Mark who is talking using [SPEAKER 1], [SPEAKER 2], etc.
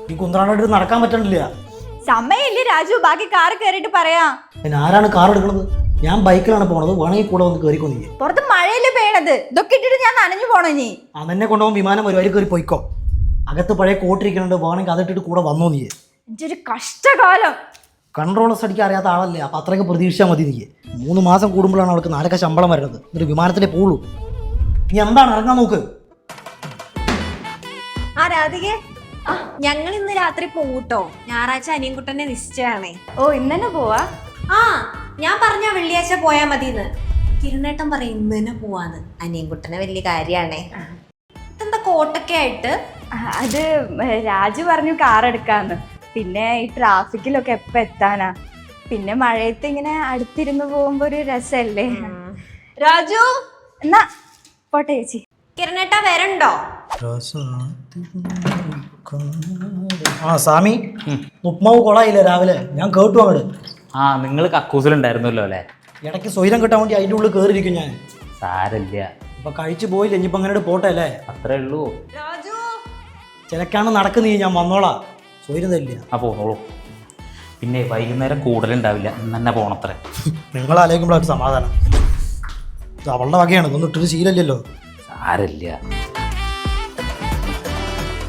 [SPEAKER 1] ഈ കുന്ത്രാണ്ടായിട്ട് നടക്കാൻ പറ്റണില്ല.
[SPEAKER 2] സമയമില്ലേ രാജു, ബാക്കി കാറ് കയറിയിട്ട് പറയാ.
[SPEAKER 1] പിന്നെ ആരാണ് കാർ എടുക്കുന്നത്? ഞാൻ ബൈക്കിലാണ് പോണത്, വേണമെങ്കിൽ കൂടെ വന്ന് കയറിക്കോ. നീ
[SPEAKER 2] പുറത്ത് മഴയില് പെയ്യണത്, ഇതൊക്കെ ഇട്ടിട്ട് ഞാൻ നനഞ്ഞു പോണോ? നീ
[SPEAKER 1] അതെന്നെ കൊണ്ടുപോകും, വിമാനം വരും, അതിൽ കയറി പോയിക്കോ. അകത്ത് പഴയ കോട്ടിരിക്കുന്നുണ്ട്, വേണമെങ്കിൽ അതിട്ടിട്ട് കൂടെ വന്നോ. നീ
[SPEAKER 2] ഇതൊരു കഷ്ടകാലം.
[SPEAKER 1] കൺട്രോളേഴ്സ് അടിക്കാൻ അറിയാത്ത ആളല്ലേ, അപ്പം അത്രയൊക്കെ പ്രതീക്ഷിച്ചാൽ മതി. നീ 3 മാസം കൂടുമ്പോഴാണ് അവൾക്ക് 4 ശമ്പളം വരുന്നത്, ഒരു വിമാനത്തിലേ പോളൂ. നീ എന്താണ് ഇറങ്ങാൻ നോക്ക്.
[SPEAKER 3] ആ രാധികെ, ഞങ്ങൾ ഇന്ന് രാത്രി പോകൂട്ടോ. ഞായറാഴ്ച അനിയൻകുട്ടനെ നിശ്ചയാണേ.
[SPEAKER 2] ഓ, ഇന്നെ പോവാ?
[SPEAKER 3] ആ, ഞാൻ പറഞ്ഞ വെള്ളിയാഴ്ച പോയാ മതിന്ന്. കിരണേട്ടൻ പറയും ഇന്ന് തന്നെ പോവാന്ന്. അനിയൻകുട്ടനെ വലിയ കാര്യാണേ. ഇതെന്താ കോട്ടൊക്കെ ആയിട്ട്?
[SPEAKER 2] അത് രാജു പറഞ്ഞു കാർ എടുക്കാന്ന്. പിന്നെ ഈ ട്രാഫിക്കിലൊക്കെ എപ്പ എത്താനാ? പിന്നെ മഴയത്ത് ഇങ്ങനെ അടുത്തിരുന്ന് പോകുമ്പോ ഒരു രസല്ലേ. രാജു എന്നാ പോട്ടെ ചേച്ചി.
[SPEAKER 3] കിരണേട്ട വരണ്ടോ?
[SPEAKER 1] ആ സ്വാമി, ഉപ്മാവ് കൊളായില്ലേ രാവിലെ? ഞാൻ കേട്ടു അങ്ങോട്ട്.
[SPEAKER 4] ആ, നിങ്ങൾ കക്കൂസിലുണ്ടായിരുന്നല്ലോ അല്ലേ?
[SPEAKER 1] ഇടയ്ക്ക് സ്വൈരം കിട്ടാൻ വേണ്ടി അതിൻ്റെ ഉള്ളിൽ കയറിയിരിക്കും ഞാൻ.
[SPEAKER 4] സാരല്ല,
[SPEAKER 1] ഇപ്പൊ കഴിച്ചു പോയില്ല, ഇനിയിപ്പോ അങ്ങനെ പോട്ടെ അല്ലേ?
[SPEAKER 4] അത്രേ ഉള്ളൂ.
[SPEAKER 3] രാജു
[SPEAKER 1] ചിലക്കാണ് നടക്കുന്നീ, ഞാൻ വന്നോളാം. സ്വൈരം തരില്ല.
[SPEAKER 4] ആ പോന്നോളൂ. പിന്നെ വൈകുന്നേരം കൂടുതലുണ്ടാവില്ല, ഇന്ന് തന്നെ പോണത്രേ.
[SPEAKER 1] നിങ്ങളാലോചിക്കുമ്പോഴൊരു സമാധാനം. ഇത് അവളുടെ വകയാണ്, ഇതൊന്നും ഇട്ടൊരു ശീലമില്ലല്ലോ.
[SPEAKER 4] സാരല്ല.